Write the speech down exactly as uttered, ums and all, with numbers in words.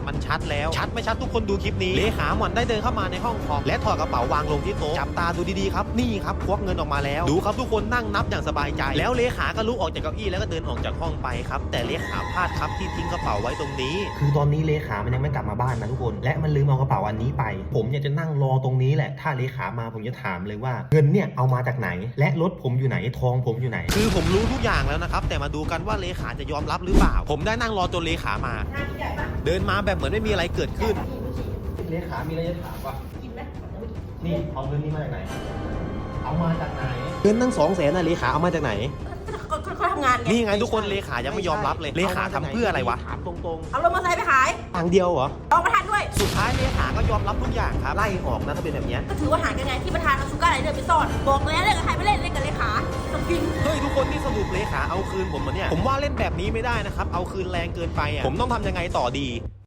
มันชัดแล้วชัดไม่ชัดทุกคนดูคลิปนี้เลขาหมอนได้เดินเข้ามาในห้องคอมและถอดกระเป๋าวางลงที่โต๊ะจับตาดูดีๆครับนี่ครับควักเงินออกมาแล้วดูครับทุกคนนั่งนับอย่างสบายใจแล้วเลขาก็ลุกออกจากเก้าอี้แล้วก็เดินออกจากห้องไปครับแต่เลขาพลาดครับที่ทิ้งกระเป๋าไว้ตรงนี้คือตอนนี้เลขามันยังไม่กลับมาบ้านนะทุกคนและมันลืมเอากระเป๋าอันนี้ไปผมอยากจะนั่งรอตรงนี้แหละถ้าเลขามาผมจะถามเลยว่าเงินเนี่ยเอามาจากไหนและรถผมอยู่ไหนทองผมอยู่ไหนคือผมรู้ทุกอย่างแล้วนะครับแต่มาดูกันว่าเลขาจะยอมรับหรือเปล่าผมได้นั่งรอจนเลขามาเดินมาแบบเหมือนไม่มีอะไรเกิดขึ้นเลขามีอะไรจะถามวะนี่เอาเงินนี้มาจากไหนเอามาจากไหนเงินตั้งสองแสนนะเลขาเอามาจากไหนก็ทำงานไงนี่ไงทุกคนเลขายังไม่ยอมรับเลยเลขาทำเพื่ออะไรวะถามตรงๆเอารถมอเตอร์ไซค์ไปขายทางเดียวเหรอเอาประธานด้วยสุดท้ายเลขาก็ยอมรับทุกอย่างครับไล่ออกนะถ้าเป็นแบบนี้ก็ถือว่าหารกันไงที่ประธานเอาชูการ์ไรเดอร์ไปซ่อนบอกแล้วเล่นกับใครไม่เล่นเล่นกับเลขาต้องกินเฮ้ยทุกคนนี่สรุปเลขาเอาคืนผมมาเนี่ยผมว่าเล่นแบบนี้ไม่ได้นะครับเอาคืนแรงเกินไปอ่ะผมต้องทำยังไงต่อดี